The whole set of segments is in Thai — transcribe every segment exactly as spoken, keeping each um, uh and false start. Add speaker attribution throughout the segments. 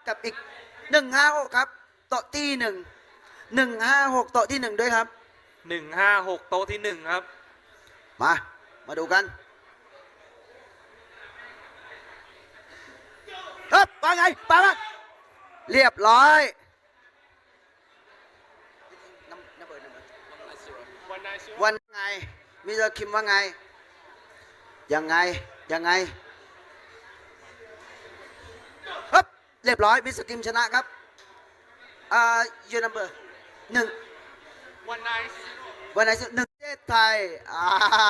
Speaker 1: กับอีกหนึ่งห้าหกครับโต๊ะที่หนึ่งหนึ่งห้าหกโต๊ะที่หนึ่งด้วยครับ
Speaker 2: หนึ่งห้าหกโต๊ะที่หนึ่งครับ
Speaker 1: มามาดูกันเฮ้ยว่าไงไปมาเรียบร้อยวันไงมิสเตอร์คิมว่าไงยังไงยังไงฮึบเรียบร้อยมิสเตอร์คิมชนะครับอ่ายูนัมเบอร์หนึ่ง
Speaker 2: วันไนซ์
Speaker 1: วันไหนหนึ่งประเทศไทยอ่า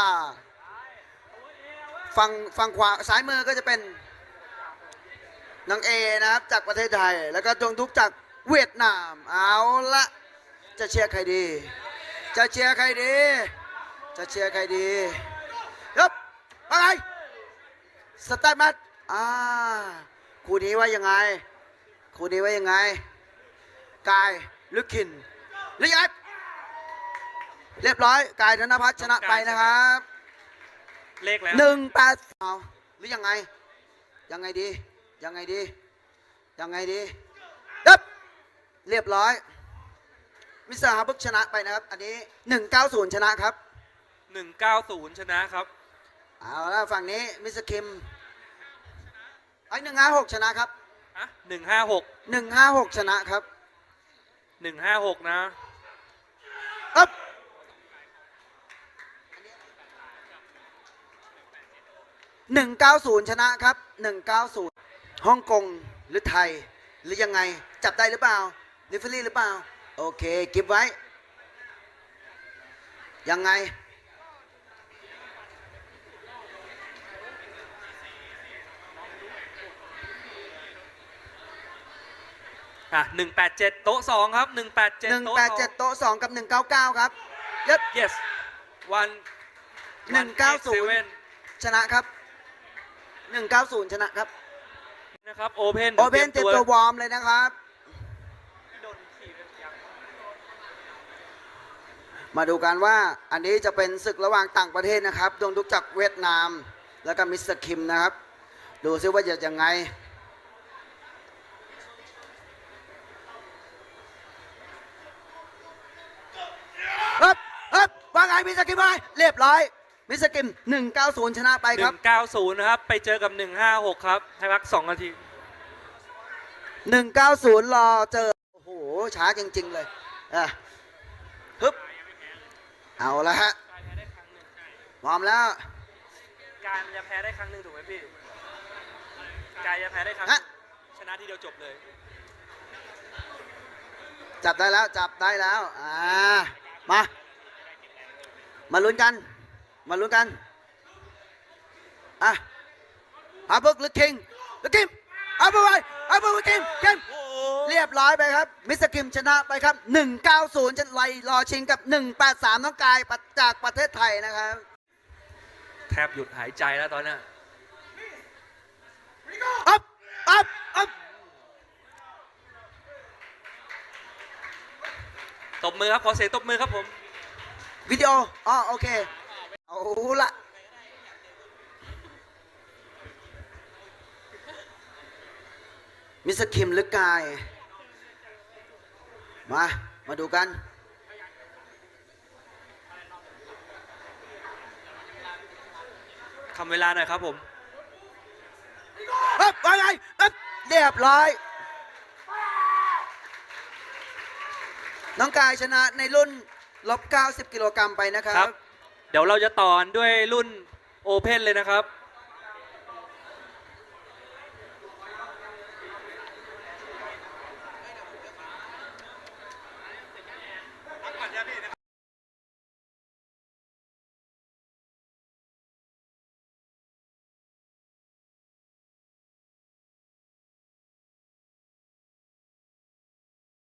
Speaker 1: ฝั่งฝั่งขวาซ้ายมือก็จะเป็นน้องเอนะครับจากประเทศไทยแล้วก็ดวงทุกจากเวียดนามเอาละจะเชียร์ใครดีจะเชียร์ใครดีจะเชียร์ใครดียบอะไรสตาร์ทมัดอ่าคู่นี้ว่ายังไงคู่นี้ว่ายังไงกายลึกขินลิยัดเรียบร้อยกายธนพัฒน์ชนะไปนะครับ
Speaker 2: เลขแล้ว
Speaker 1: หนึ่งแปดเอาหรือยังไงยังไงดียังไงดียังไงดีดับเรียบร้อยมิสเตอร์ฮาร์บึกชนะไปนะครับอันนี้หนึ่งเก้าศูนย์ชนะครับ
Speaker 2: หนึ่งเก้าศูนย์ชนะครับ
Speaker 1: เอาแล้วฝั่งนี้มิสเตอร์คิมไอ้หนึ่งห้าหกชนะครับ
Speaker 2: ฮะหนึ่งห้าหก
Speaker 1: หนึ่งห้าหกชนะครับ
Speaker 2: หนึ่งห้าหกนะ
Speaker 1: อ๊บหนึ่งเก้าศูนย์ชนะครับหนึ่งเก้าศูนย์ฮ่องกงหรือไทยหรือยังไงจับได้หรือเปล่าลิฟลี่หรือเปล่าโอเคเก็บไว้ยังไง
Speaker 2: อ่ะหนึ่งแปดเจ็ดโต๊ะสองครับหนึ่งแปดเจ็ด
Speaker 1: หนึ่งแปดเจ็ดโต๊ะสองกับหนึ่งเก้าเก้าครับยับ
Speaker 2: yes วัน
Speaker 1: หนึ่งเก้าศูนย์ชนะครับหนึ่งเก้าศูนย์ชนะครับ
Speaker 2: นะครับโอเพน
Speaker 1: โอเพนเต็มตัววอร์มเลยนะครับมาดูกันว่าอันนี้จะเป็นศึกระหว่างต่างประเทศนะครับดวงทุกจากเวียดนามแล้วก็มิสเตอร์คิมนะครับดูซิว่าจะยังไงฮึบฮึบว่าไงมิสเตอร์คิมว่าไงเรียบร้อยมิสเตอร์คิมหนึ่งเก้าศูนย์ชนะไปครับ
Speaker 2: หนึ่งเก้าศูนย์นะครับไปเจอกับหนึ่งห้าหกครับให้พักสองนาที
Speaker 1: หนึ่งเก้าศูนย์รอเจอโอ้โหช้าจริงๆเลยอ่ะฮึบเอาละฮะพร้อมแล้ว
Speaker 2: การจะแพ้ได้ครั้งหนึ่งถูกไหมพี่การจะแพ้ได้ครั้งชนะทีเดียวจบเลย
Speaker 1: จับได้แล้วจับได้แล้วอ่ามามาลุ้นกันมาลุ้นกันอ่ะฮาร์บึกหรือคิงหรือคิมฮาร์บึกไปฮาร์บึกหรือคิมคิมเรียบร้อยไปครับมิสเตอร์คิมชนะไปครับหนึ่งเก้าศูนย์จะไล่รอชิงกับหนึ่งแปดสามน้องกายจากประเทศไทยนะครับ
Speaker 2: แทบหยุดหายใจแล้วตอนนี้
Speaker 1: อัพอัพอัพ
Speaker 2: ตบมือครับขอเสียงตบมือครับผม
Speaker 1: วิดีโออ๋อโอเคเอาละมิสเตอร์คิมหรือกายมามาดูกัน
Speaker 2: ทำเวลาหน่อยครับผม
Speaker 1: ปั๊บว่าไงปั๊บเรียบร้อยน้องกายชนะในรุ่นลบเก้าสิบกิโลกรัมไปนะครับ
Speaker 2: เดี๋ยวเราจะต่อด้วยรุ่นโอเพนเลยนะครับ